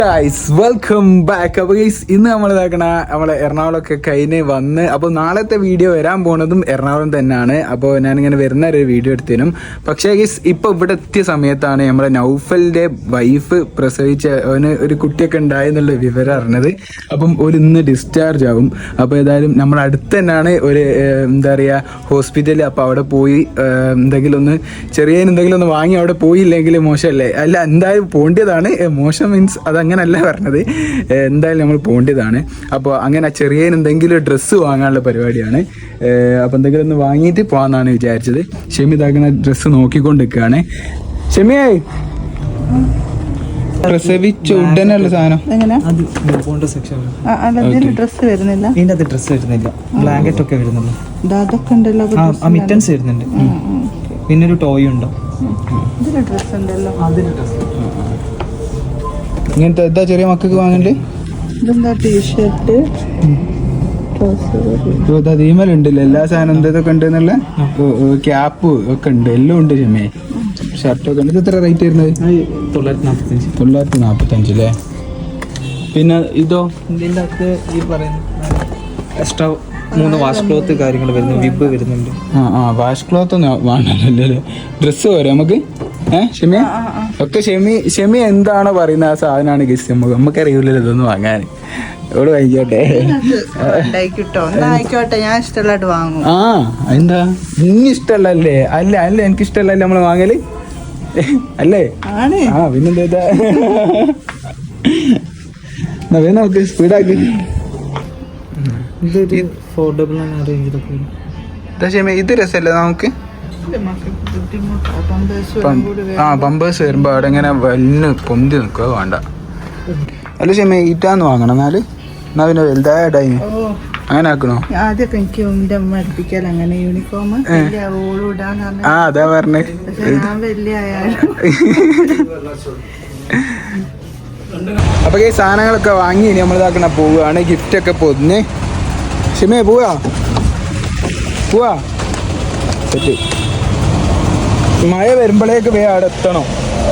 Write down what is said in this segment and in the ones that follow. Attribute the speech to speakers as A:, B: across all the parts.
A: Welcome back. അപ്പോൾ ഇന്ന് നമ്മൾ ഇതാക്കണ നമ്മളെ എറണാകുളമൊക്കെ കഴിഞ്ഞ് വന്ന് അപ്പോൾ നാളത്തെ വീഡിയോ വരാൻ പോണതും എറണാകുളം തന്നെയാണ്. അപ്പോൾ ഞാനിങ്ങനെ വരുന്ന ഒരു വീഡിയോ എടുത്തതിനും പക്ഷേ ഇപ്പോൾ ഇവിടെ എത്തിയ സമയത്താണ് നമ്മളെ നൗഫലിൻ്റെ വൈഫ് പ്രസവിച്ച അവന് ഒരു കുട്ടിയൊക്കെ ഉണ്ടായെന്നുള്ള വിവരം അറിഞ്ഞത്. അപ്പം ഒരു ഇന്ന് ഡിസ്ചാർജ് ആവും. അപ്പോൾ ഏതായാലും നമ്മുടെ അടുത്ത് തന്നെയാണ് ഒരു എന്താ പറയുക ഹോസ്പിറ്റൽ. അപ്പോൾ അവിടെ പോയി എന്തെങ്കിലും ഒന്ന് വാങ്ങി അവിടെ പോയില്ലെങ്കിൽ മോശമല്ലേ? അല്ല, എന്തായാലും പോകേണ്ടതാണ്. മോശം മീൻസ് അതങ്ങനല്ല പറഞ്ഞത്, എന്തായാലും നമ്മൾ പോകേണ്ടതാണ്. അപ്പോൾ അങ്ങനെ ചെറിയ എന്തെങ്കിലും ഡ്രസ്സ് വാങ്ങാനുള്ള പരിപാടിയാണ്. അപ്പോൾ എന്തെങ്കിലും ഒന്ന് വാങ്ങിയിട്ട് പോകാമെന്നാണ് വിചാരിച്ചത്. ഷെമി ഇതാക്കുന്ന ഡ്രസ്സ് നോക്കിക്കൊണ്ടിരിക്കുകയാണ്. ഷെമിയേ, പ്രസവിച്ച ഉടനെയുള്ള സാധനം
B: ഡ്രസ് വരുന്നില്ല,
C: ബ്ലാങ്കറ്റ് ഒക്കെ വരുന്നുള്ളൂ, മിറ്റൻസ് വരുന്നുണ്ട്, പിന്നെ ഒരു ടോയ് ഉണ്ടോ,
B: ഡ്രസ് ഉണ്ടല്ലോ.
A: ഇങ്ങനത്തെ എന്താ ചെറിയ മക്കൾക്ക് വാങ്ങണ്ടേ?
B: ഇതെന്താ ടീഷർട്ട്,
A: തീമലുണ്ടല്ലോ എല്ലാ സാധനം എന്തൊക്കെ ഉണ്ട് എന്നുള്ള ക്യാപ്പ് ഒക്കെ ഉണ്ട്, എല്ലാം ഉണ്ട്. ഷെമേ ഷർട്ടൊക്കെ ഉണ്ട്. ഇത് എത്ര റേറ്റ് വരുന്നത്? 945 അല്ലേ? പിന്നെ ഇതോ
C: ഇതിൻ്റെ അകത്ത് ഈ പറയുന്ന എക്സ്ട്രാ 3 വാഷ് ക്ലോത്ത് കാര്യങ്ങൾ വരുന്നു, വിബ് വരുന്നുണ്ട്.
A: വാഷ് ക്ലോത്ത് ഒന്നും വേണമല്ലോ. ഡ്രസ്സ് പോരെ നമുക്ക്? ഷെമിയ ഒക്കെ ഷെമി എന്താണോ പറയുന്നത് ആ സാധനമാണ് ഗസ്റ്റ്. നമുക്കറിയില്ലല്ലോ ഇതൊന്നും വാങ്ങാൻ. ഇവിടെ വാങ്ങിക്കോട്ടെ,
B: ഞാൻ ഇഷ്ടമുള്ളതായിട്ട് വാങ്ങും.
A: എന്താ ഇനി ഇഷ്ടമല്ലേ? അല്ല എനിക്ക് ഇഷ്ടമല്ലേ നമ്മള് വാങ്ങല് അല്ലേ? പിന്നെന്താ നമുക്ക് സ്പീഡാക്കി. ഇത് രസമല്ലേ നമുക്ക്? പമ്പേഴ്സ് വരുമ്പോ അവിടെ ഇങ്ങനെ വല്ല് പൊന്തി നിൽക്കുക വേണ്ട. അല്ല ഷെമ ഈറ്റാന്ന് വാങ്ങണം. എന്നാ പിന്നെ വലുതായിട്ടായി അങ്ങനെ ആക്കണോ?
B: ആദ്യമൊക്കെ എനിക്ക് എന്റെ അമ്മ അടുപ്പിക്കാൻ അങ്ങനെ യൂണിഫോം
A: അതാ പറഞ്ഞേ.
B: ഞാൻ വലിയ
A: അപ്പൊ ഈ സാധനങ്ങളൊക്കെ വാങ്ങി ഇനി നമ്മൾ ഇതാക്കണ പോവുകയാണ്. ഗിഫ്റ്റ് ഒക്കെ പൊതിഞ്ഞ്. ഷെമേ പോവാ സെറ്റ്. മഴ വരുമ്പോഴേക്ക് വേ അവിടെ എത്തണം.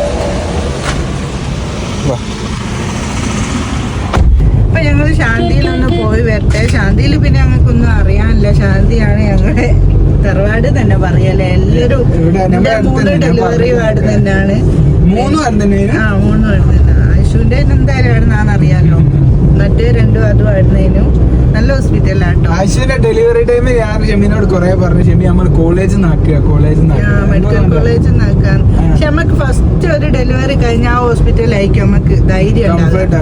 B: ഇപ്പൊ ഞങ്ങള് ശാന്തിയിലൊന്ന് പോയി വരട്ടെ. ശാന്തിയിൽ പിന്നെ ഞങ്ങൾക്കൊന്നും അറിയാനില്ല. ശാന്തിയാണ് ഞങ്ങളുടെ തറവാട് തന്നെ പറയല്ലേ. എല്ലാരും 3 ഡെലിവറി വാർഡ് തന്നെയാണ്.
A: 3 വാർഡ് തന്നെ.
B: 3 വാർഡ് തന്നെ. ആയുഷുവിന്റെ എന്തായാലും ആണെന്നാണ് അറിയാലോ. മറ്റേ 2 അതും ആയിരുന്നേനും നല്ല ഹോസ്പിറ്റലാട്ടോ.
A: ആയുഷിന്റെ ഡെലിവറി ടൈമിൽ ഞാൻ ഷെമിനോട് കുറെ പറഞ്ഞു, ഷെമി നമ്മൾ കോളേജിൽ
B: മെഡിക്കൽ കോളേജിൽ നിന്നാക്കാൻ. പക്ഷെ നമുക്ക് ഫസ്റ്റ് ഒരു ഡെലിവറി കഴിഞ്ഞ ആ ഹോസ്പിറ്റലായിരിക്കും നമുക്ക് ധൈര്യം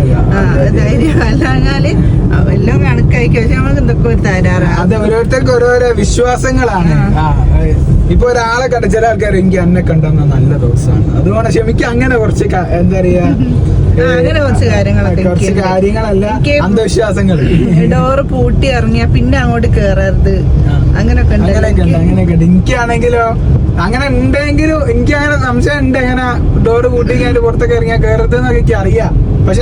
B: അല്ലാഞ്ഞാല് എല്ലാം കണക്കായിരിക്കും. പക്ഷെ നമുക്ക് എന്തൊക്കെ ഒരു തരാറാണ്.
A: അത് ഓരോരുത്തർക്ക് ഓരോരോ വിശ്വാസങ്ങളാണ്. ഇപ്പൊ ഒരാളെ കണ്ട ചില ആൾക്കാർ എനിക്ക് എന്നെ കണ്ടെന്ന നല്ല ദിവസമാണ്. അതുകൊണ്ട് ക്ഷമിക്ക അങ്ങനെ കുറച്ച് എന്താ പറയാ
B: അങ്ങനെ കുറച്ച്
A: കാര്യങ്ങളല്ല അന്ധവിശ്വാസങ്ങൾ.
B: ഡോറ് പൂട്ടി ഇറങ്ങിയ പിന്നെ അങ്ങോട്ട് കേറരുത്, അങ്ങനൊക്കെ
A: ഉണ്ട്. എനിക്കാണെങ്കിലോ അങ്ങനെ ഉണ്ടെങ്കിലും എനിക്ക് അങ്ങനെ സംശയം ഉണ്ട്. അങ്ങനെ ഡോറ് പൂട്ടി കഴിഞ്ഞിട്ട് പുറത്തൊക്കെ ഇറങ്ങിയാൽ കേറരുത് എന്നൊക്കെ എനിക്ക് അറിയാം. പക്ഷെ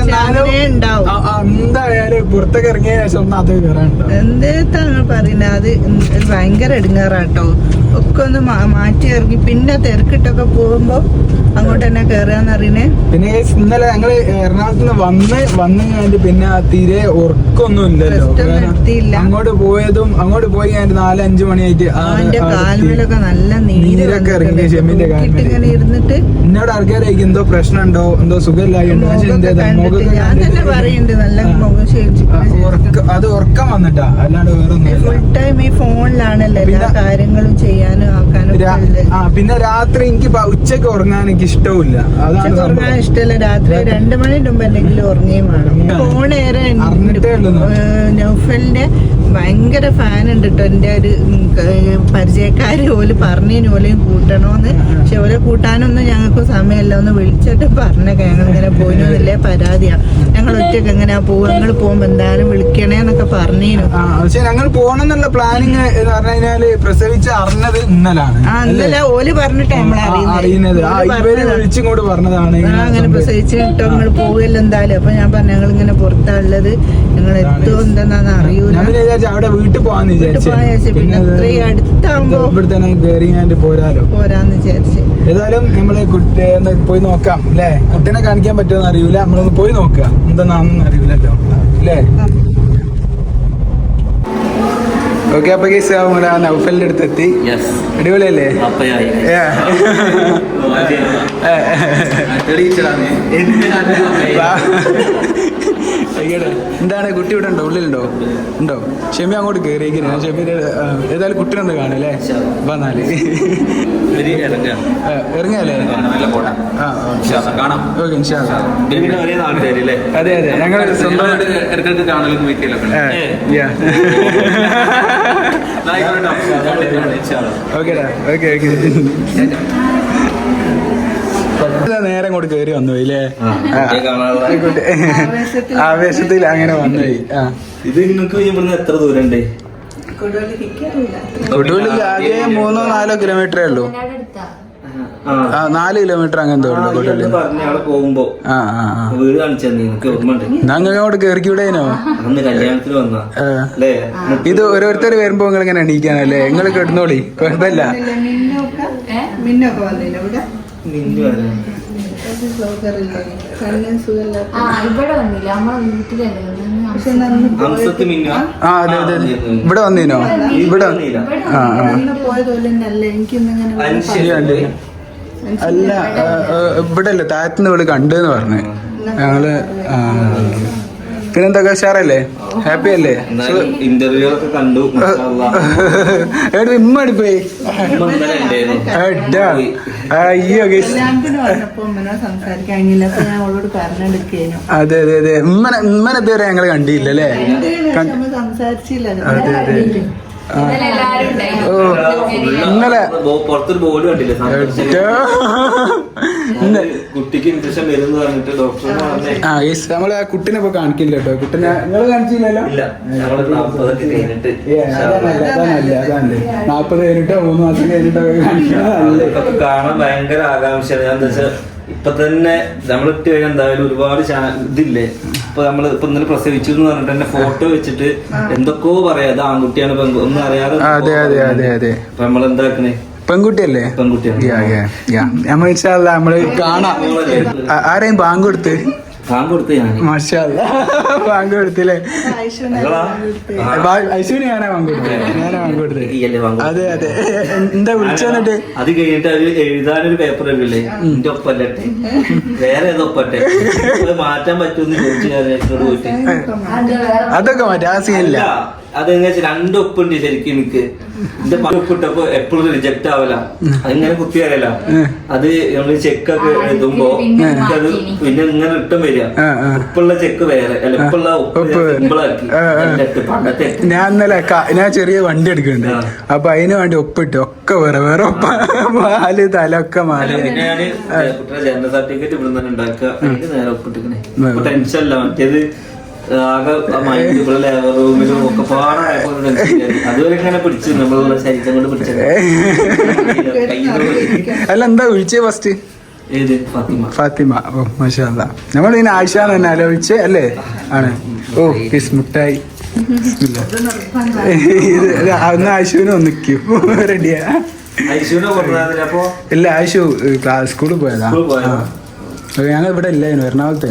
A: എന്തായാലും പുറത്തൊക്കെ ഇറങ്ങിയ ശേഷം ഒന്നും അത് കയറാനുണ്ടോ?
B: എന്താ പറയുന്നത്? അത് ഭയങ്കര എടുങ്ങാറാട്ടോ. ഒക്കെ ഒന്ന് മാറ്റി ഇറങ്ങി പിന്നെ തിരക്കിട്ടൊക്കെ പോകുമ്പോ അങ്ങോട്ട് തന്നെ കേറാന്നറിയണേ.
A: പിന്നെ ഇന്നലെ ഞങ്ങള് എറണാകുളത്ത് വന്നു കഴിഞ്ഞിട്ട് പിന്നെ തീരെ ഉറക്കൊന്നും ഇല്ലല്ലോ. അങ്ങോട്ട് പോയി കഴിഞ്ഞിട്ട് 4-5 മണിയായിട്ട്
B: കാൽമേലൊക്കെ നല്ല നീരൊക്കെ
A: ഇറങ്ങി. ഷെമിന്റെ
B: ഇങ്ങനെ ഇരുന്നിട്ട്
A: എന്നോട് ആൾക്കാരായിരിക്കും എന്തോ പ്രശ്നമുണ്ടോ, എന്തോ സുഖമില്ലായിട്ടുണ്ടോ.
B: ഞാൻ തന്നെ പറയുന്നുണ്ട് നല്ല മുഖം
A: അത് ഉറക്കം വന്നിട്ടാ, അല്ലാണ്ട് വേറെ
B: ഫുൾ ടൈം ഈ ഫോണിലാണല്ലോ എല്ലാ കാര്യങ്ങളും ചെയ്യാനും ആക്കാനും.
A: പിന്നെ രാത്രി എനിക്ക് ഉച്ചക്ക് ഉറങ്ങാൻ എനിക്ക് ഇഷ്ടമില്ല. അതാണ്
B: ഉറങ്ങാൻ ഇഷ്ടമല്ല. രാത്രി 2 മണിന്റെ മുമ്പ് എന്തെങ്കിലും ഉറങ്ങുകയും വേണം. ഫോണേറെ നൗഫലിന്റെ ഭയങ്കര ഫാൻ ഉണ്ട് കേട്ടോ. എന്റെ ഒരു പരിചയക്കാര് ഓല് പറഞ്ഞതിന് ഓലെയും കൂട്ടണോന്ന്. പക്ഷെ ഓലെ കൂട്ടാനൊന്നും ഞങ്ങൾക്ക് സമയമില്ല. ഒന്ന് വിളിച്ചിട്ട് പറഞ്ഞേക്ക ഞങ്ങൾ ഇങ്ങനെ പോയില്ലേ പരാതിയാ. ഞങ്ങൾ ഒറ്റക്ക് എങ്ങനെയാ പോവുക, ഞങ്ങൾ പോകുമ്പോ എന്തായാലും വിളിക്കണേന്നൊക്കെ പറഞ്ഞേനു.
A: പക്ഷെ ഞങ്ങൾ പോണെന്നുള്ള പ്ലാനിങ് എന്ന് പറഞ്ഞു കഴിഞ്ഞാല് പ്രസവിച്ച് അറിഞ്ഞത് ഇന്നലാണ്.
B: ഇന്നലെ ഓല് പറഞ്ഞിട്ട്
A: അറിയുന്നത് വിളിച്ചിങ്ങോട്ട് പറഞ്ഞതാണ്.
B: അങ്ങനെ പ്രസവിച്ചിട്ടോ നിങ്ങൾ പോവുകയല്ലോ എന്തായാലും. അപ്പൊ ഞാൻ പറഞ്ഞു ഞങ്ങൾ ഇങ്ങനെ പുറത്താണുള്ളത്, ഞങ്ങൾ എത്തുമോ എന്താന്ന് അറിയൂല.
A: വിചാരിച്ചു അവിടെ വീട്ടിൽ പോവാന്ന് വിചാരിച്ചു.
B: പിന്നെ ഇത്രയും അടുത്താകുമ്പോ
A: ഇവിടെ തന്നെ കയറി ഞാൻ പോരാലോ
B: പോരാന്ന് വിചാരിച്ചു.
A: ഏതായാലും നമ്മള് കുട്ടിയെ ഒന്ന് പോയി നോക്കാം അല്ലേ? കുട്ടീനെ കാണിക്കാൻ പറ്റുമെന്ന് അറിയൂല, നമ്മളൊന്ന് പോയി നോക്കുക എന്താണെന്ന് അറിയില്ലല്ലോ അല്ലേ? ഓക്കെ, അപ്പൊ കേസ് നമ്മുടെ നൗഫലിന്റെ അടുത്ത് എത്തി. അടിപൊളിയല്ലേ? എന്താണ് കുട്ടി ഇവിടെ ഉണ്ടോ? ഉള്ളിലുണ്ടോ? ഉണ്ടോ? ഷെമി അങ്ങോട്ട് കയറിയിരിക്കുന്നു. ഞാൻ ഷെമിയുടെ ഏതായാലും കുട്ടീനൊന്ന് കാണല്ലേ? വന്നാല് ഇറങ്ങിയാലേ? അതെ അതെ, ഞങ്ങൾ സ്വന്തം ഓക്കേടാ. ഓക്കെ ഓക്കെ, നേരം കൊണ്ട് കയറി വന്നു ഇല്ലേ? ആവേശത്തിൽ അങ്ങനെ വന്നുപോയി.
C: ഇത് നിങ്ങൾക്ക് എത്ര ദൂരം ഉണ്ട്?
A: കൊടുവള്ളിക്ക് ആകെ 3-4 കിലോമീറ്ററേ ഉള്ളൂ. 4 കിലോമീറ്റർ അങ്ങനത്തെ ഉള്ളു കൊടുവള്ളി.
C: പോകുമ്പോ വീട് കാണിച്ചു
A: ഞങ്ങൾ അങ്ങോട്ട് കേറിക്കൂടേനോ?
C: കല്യാണത്തിന് വന്ന
A: ഇത് ഓരോരുത്തർ വരുമ്പോ നിങ്ങൾ ഇങ്ങനെ എണീക്കാനല്ലേ? നിങ്ങൾ കിടന്നോളി, കുഴപ്പമില്ല.
B: മിന്നൊക്കെ വന്നില്ല ഇവിടെ?
A: അതെ അതെ, ഇവിടെ വന്നീനോ? ഇവിടെ അല്ല, ഇവിടെ അല്ലേ, താഴത്തുനിന്ന് ഇവിടെ കണ്ടെന്ന് പറഞ്ഞു ഞങ്ങള്. പിന്നെന്തൊക്കെ ഉഷാറല്ലേ? ഹാപ്പി അല്ലേ?
C: ഇന്റർവ്യൂ ഒക്കെ കണ്ടു.
A: ഇമ്മ അടിപ്പോയി. അതെ അതെ അതെ, ഉമ്മനെ ഇതുവരെ ഞങ്ങള് കണ്ടില്ല അല്ലേ?
B: സംസാരിച്ചില്ല.
A: അതെ അതെ. ഇന്നലെ
C: പുറത്തൊരു ബോർഡ് കണ്ടില്ലേ, കുട്ടിക്ക് ഇൻഫെക്ഷൻ വരുന്ന പറഞ്ഞിട്ട് ഡോക്ടർ.
A: നമ്മള് ആ കുട്ടിനെ ഇപ്പൊ കാണിക്കില്ല കേട്ടോ. കുട്ടിനെ നിങ്ങള് കാണിച്ചില്ലല്ലോ? 40 കഴിഞ്ഞിട്ടോ 3 മാസം കഴിഞ്ഞിട്ടോ കാണിക്കണം.
C: കാണാൻ ഭയങ്കര ആകാംക്ഷയാണ്. ഞാൻ എന്താ വെച്ചാൽ ഇപ്പൊ തന്നെ നമ്മളിട്ട് കഴിഞ്ഞാൽ എന്തായാലും ഒരുപാട് ഇതില്ലേ. ഇപ്പൊ നമ്മള് ഇപ്പൊ ഇന്നലെ പ്രസവിച്ചു എന്ന് പറഞ്ഞിട്ട് തന്നെ ഫോട്ടോ വെച്ചിട്ട് എന്തൊക്കെയോ പറയാം, അത് ആൺകുട്ടിയാണ് ഒന്നും അറിയാതെ.
A: അതെ അതെ അതെ അതെ,
C: അപ്പൊ നമ്മളെന്താക്കണേ?
A: പെൺകുട്ടിയല്ലേ?
C: പെൺകുട്ടിയാണ്.
A: നമ്മള് കാണാം. ആരെയും ബാങ്ക് കൊടുത്ത് മാഷാ അല്ലാ, ബാങ്ക് കൊടുത്തില്ലേ? ഐശുവിന് ഞാനാ ബാങ്ക് കൊടുത്തത്. അതെ അതെ. എന്താ വിളിച്ചെന്നിട്ട്?
C: അത് കഴിഞ്ഞിട്ട് അവര് എഴുതാനൊരു പേപ്പർ ഇല്ലേ, എന്റെ ഒപ്പല്ലേ വേറെ ഏതോ ഒപ്പട്ടെ, മാറ്റാൻ പറ്റുമെന്ന് ചോദിച്ചു ഞാൻ പോയിട്ട്.
A: അതൊക്കെ മാറ്റി, ആ സീനില്ല.
C: അതെങ്ങനെ 2 ഒപ്പുണ്ട് ശരിക്കും എനിക്ക്. എന്റെ ഒപ്പിട്ടപ്പോ എപ്പോഴും റിജക്ട് ആവല, അതിങ്ങനെ കുത്തി അറിയല. അത് നമ്മള് ചെക്കൊക്കെ എഴുതുമ്പോ അത് പിന്നെ ഇങ്ങനെ റിട്ടേൺ വരിക. ഉപ്പുള്ള ചെക്ക് വേറെ, അല്ല ഉപ്പുള്ള സിമ്പിളാക്കി.
A: ഞാൻ ഇന്നലെ ഞാൻ ചെറിയ വണ്ടി എടുക്കുന്നുണ്ട്, അപ്പൊ അതിന് വേണ്ടി ഒപ്പിട്ട് ഒക്കെ വേറെ വേറെ ഒപ്പ, പാല് തലൊക്കെ മാറി.
C: പിന്നെ ഞാന് കുട്ടിയുടെ ജനറൽ സർട്ടിഫിക്കറ്റ് ഇവിടെ നിന്ന് ഉണ്ടാക്കുക, അതിന് നേരെ ഒപ്പിട്ടിക്കണേ. ടെൻഷൻ അല്ല, മറ്റേത് ആകെ ഇവിടെ ലേബർ റൂമിലും ഒക്കെ പാടായപ്പോ അതുവരെ ഇങ്ങനെ പിടിച്ചു, നമ്മളുള്ള ശരീരം കൊണ്ട് പിടിച്ചത്.
A: അല്ല, എന്താ വിളിച്ചേ ഫസ്റ്റ്?
C: ഏത്?
A: ഫാത്തിമ. ഓ മാഷാ അല്ലാ, നമ്മൾ ഇതിന് ആയിഷ തന്നെ ആലോചിച്ചേ അല്ലേ? ആണ്. ഓ കിസ് മുട്ടായി. ഇത് അന്ന് ആയിഷുവിനെ ഒന്നിക്കൂ. റെഡിയാ? ഇല്ല, ആയിഷു സ്കൂളിൽ പോയതാ. ഞങ്ങൾ ഇവിടെ ഇല്ലായിരുന്നു, എറണാകുളത്തെ.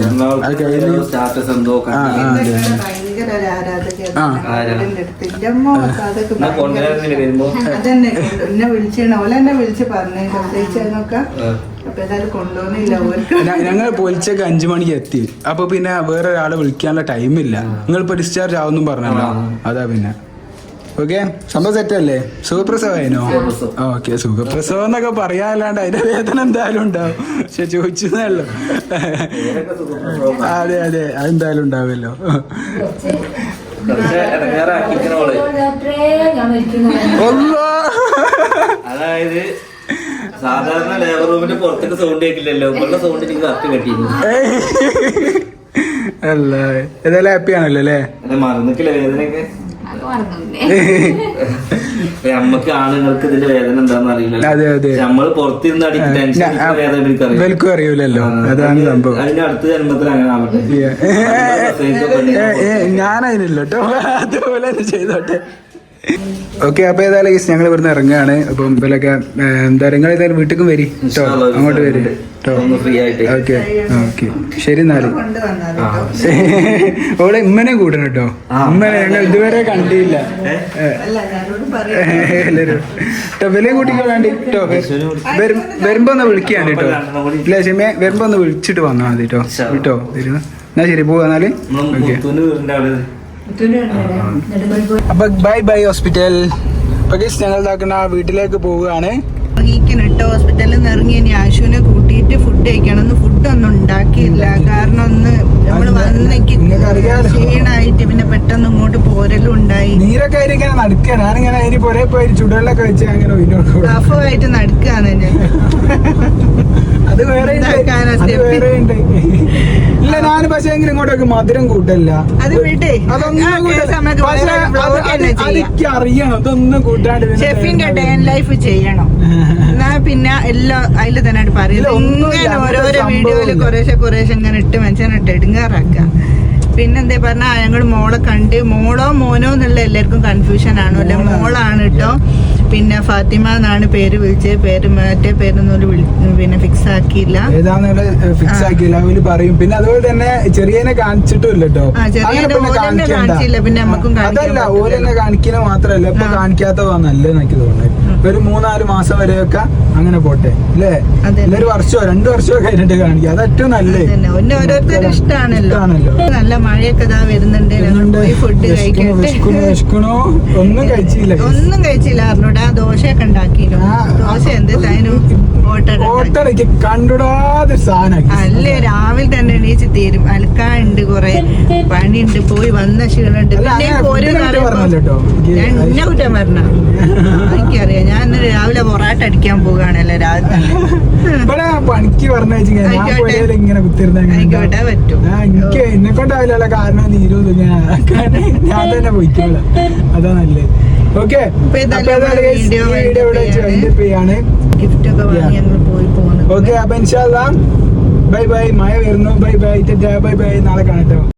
B: അതന്നെ എന്നെ വിളിച്ചാണ്, ഓല എന്നെ വിളിച്ച് പറഞ്ഞു പ്രത്യേകിച്ചൊക്കെ.
A: ഞങ്ങൾ പൊലിച്ചൊക്കെ 5 മണിക്ക് എത്തി. അപ്പൊ പിന്നെ വേറെ ഒരാളെ വിളിക്കാനുള്ള ടൈമില്ല. നിങ്ങളിപ്പോ ഡിസ്ചാർജ് ആവുന്നും പറഞ്ഞല്ലോ, അതാ പിന്നെ. ഓക്കെ, സംഭവം സെറ്റല്ലേ? സുഖപ്രസവമായിനോ? ഓക്കെ, സുഖപ്രസവം എന്നൊക്കെ പറയാനല്ലാണ്ട് അതിന്റെ വേദന എന്തായാലും ഉണ്ടാവും. പക്ഷെ ചോദിച്ചതല്ലോ. അതെ അതെ, അതെന്തായാലും ഉണ്ടാവുമല്ലോ.
C: അതായത് സാധാരണ ലേബർ റൂമിന്റെ പുറത്തേക്ക് സൗണ്ട് കേൾക്കില്ലല്ലോ, ഉള്ള സൗണ്ട് എനിക്ക് കറക്റ്റ് കെട്ടിയിരുന്നു.
A: അല്ല, ഏതായാലും ഹാപ്പി ആണല്ലോ അല്ലേ?
C: മറന്നിട്ടില്ല വേദനയൊക്കെ. നമ്മക്ക് ആണുങ്ങൾക്ക് ഇതിന്റെ വേദന എന്താണെന്ന് അറിയില്ല.
A: അതെ അതെ
C: നമ്മള് പുറത്തിരുന്ന് അടിക്കുന്ന ടെൻഷൻ വേദന എനിക്കറിയാം.
A: വെൽക്കും അറിയൂലല്ലോ, അതാണ് സംഭവം.
C: അതിന്റെ അടുത്ത ജന്മത്തിൽ അങ്ങനെ ആവട്ടെ.
A: ഞാനതിനില്ല കേട്ടോ, അതുപോലെ തന്നെ ചെയ്തോട്ടെ. ഓക്കെ, അപ്പൊ ഏതായാലും ഞങ്ങൾ ഇവിടുന്ന് ഇറങ്ങുകയാണ്. അപ്പം ഇവരൊക്കെ എന്താ നിങ്ങൾ ഏതായാലും വീട്ടിലും വരി കേട്ടോ, അങ്ങോട്ട് വരി കേട്ടോ.
C: ഫ്രീ ആയിട്ട്.
A: ഓക്കെ ഓക്കെ, ശരി എന്നാല്. ഓളെ ഇമ്മനെ കൂട്ടണം കേട്ടോ, ഇമ്മനെ ഞങ്ങൾ ഇതുവരെ കണ്ടില്ല. എല്ലാരും കേട്ടോ, വില കൂട്ടിക്കോ വേണ്ടി കേട്ടോ. വരുമ്പോ ഒന്ന് വിളിക്കാണ് കേട്ടോ. ഇല്ല ക്ഷമേ, വരുമ്പോ ഒന്ന് വിളിച്ചിട്ട് വന്നാൽ മതി കേട്ടോ. കേട്ടോ വരുന്ന എന്നാ ശരി, പോവാ എന്നാല്. ഓക്കെ, അപ്പൊ ബൈ ബൈ ഹോസ്പിറ്റൽ. അപ്പൊ ഞങ്ങൾ ഇതാക്കുന്ന വീട്ടിലേക്ക് പോവുകയാണ്.
B: ഇറങ്ങിക്കണിട്ടോ, ഹോസ്പിറ്റലിൽ നിന്ന് ഇറങ്ങി ഇനി ആശുവിനെ കൂട്ടിയിട്ട് ഫുഡ് കഴിക്കണം. ഫുഡൊന്നും ഉണ്ടാക്കിയില്ല, കാരണം ഒന്ന് നമ്മള് വന്നേക്ക് ക്ഷീണായിട്ട് പിന്നെ പെട്ടെന്ന് ഇങ്ങോട്ട് പോരലും ഉണ്ടായി.
A: നീരൊക്കെ ഇങ്ങനെ നടക്കുക, ഞാനിങ്ങനെ അതിന് പുറേ പോയി ചുടുവെള്ളൊക്കെ വെച്ച് അങ്ങനെ
B: ടഫായിട്ട് നടക്കുകയാണ് ഞാൻ.
A: അത് വേറെ ഉണ്ട്. ഇല്ല, ഞാൻ പക്ഷെ എങ്കിലും ഇങ്ങോട്ടൊക്കെ മധുരം കൂട്ടല്ല.
B: അത് വിട്ടേ,
A: അതൊക്കെ അറിയണം, അതൊന്നും കൂട്ടാണ്ട്
B: ഷെഫിന്റെ ഡേ ആൻഡ് ലൈഫ് ചെയ്യണം. എന്നാ പിന്നെ എല്ലാം അതിൽ തന്നെ പറയുന്നത്. ഇങ്ങനെ ഓരോരോ വീഡിയോയില് കുറേശ്ശെ ഇങ്ങനെ ഇട്ട് മനുഷ്യനിട്ട് എടുങ്ങാറാക്കാം. പിന്നെന്തേ പറഞ്ഞാ ഞങ്ങള് മോളെ കണ്ട്, മോളോ മോനോ എന്നുള്ള എല്ലാവർക്കും കൺഫ്യൂഷൻ ആണോ അല്ലെ, മോളാണ് കേട്ടോ. പിന്നെ ഫാത്തിമ എന്നാണ് പേര് വിളിച്ചത്, പേര് മറ്റേ പേരൊന്നും പിന്നെ ഫിക്സ് ആക്കിയില്ല,
A: ഫിക്സ് ആക്കിയില്ല അവര് പറയും. പിന്നെ അതുപോലെ തന്നെ ചെറിയനെ കാണിച്ചിട്ടില്ല കേട്ടോ,
B: കാണിച്ചില്ല. പിന്നെ നമുക്കും
A: അതല്ല, ഓലെന്നെ കാണിക്കുന്ന മാത്രല്ല ഇപ്പൊ കാണിക്കാത്തതാ നല്ലതെന്ന് എനിക്ക് തോന്നുന്നത്. ഒരു 3-4 മാസം വരെയൊക്കെ അങ്ങനെ പോട്ടെ അല്ലേ, ഒരു വർഷമോ 2 വർഷമോ കഴിഞ്ഞിട്ട് കാണിക്കുക, അത് ഏറ്റവും നല്ലത്.
B: ഓരോരുത്തരും ഇഷ്ടമാണല്ലോ. നല്ല മഴയൊക്കെ ഇതാ വരുന്നുണ്ട്. ഞങ്ങൾ പോയി ഫുഡ്
A: കഴിക്കണോ, ഒന്നും കഴിച്ചില്ല
B: അറിഞ്ഞൂടാ. ദോശയൊക്കെ ഉണ്ടാക്കിയിരുന്നു. ദോശ എന്ത് തൈനും
A: ഓട്ടടയ്ക്ക് കണ്ടുടാതെ സാധനം
B: അല്ലേ. രാവിലെ തന്നെ എണീച്ച് തീരും, അലക്കാനുണ്ട്, കൊറേ പണിയുണ്ട്, പോയി വന്ന ക്ഷീണുണ്ട്. പിന്നെ ഒരു എന്നെ കുറ്റം പറഞ്ഞ എനിക്കറിയാം. ഞാൻ രാവിലെ പൊറാട്ട അടിക്കാൻ പോവുകയാണല്ലോ രാവിലെ തന്നെ.
A: പണിക്ക് പറഞ്ഞു ഇങ്ങനെ
B: ആയിക്കോട്ടെ, പറ്റും.
A: എനിക്ക് എന്നെ കൊണ്ടാവില്ല, കാരണം നീരും ഞാൻ തന്നെ പോയിക്കോളാം, അതാ നല്ലത്. ഓക്കെ,
B: ഗിഫ്റ്റ് ഒക്കെ വാങ്ങി ഞങ്ങൾ പോയി പോകുന്നു.
A: ഓക്കെ, അപ്പൊ ഇൻഷാ അല്ലാഹ് ബൈ ബൈ. മഴ വരുന്നു. ബൈ ബൈ, ബൈ ബൈ, നാളെ കാണട്ടോ.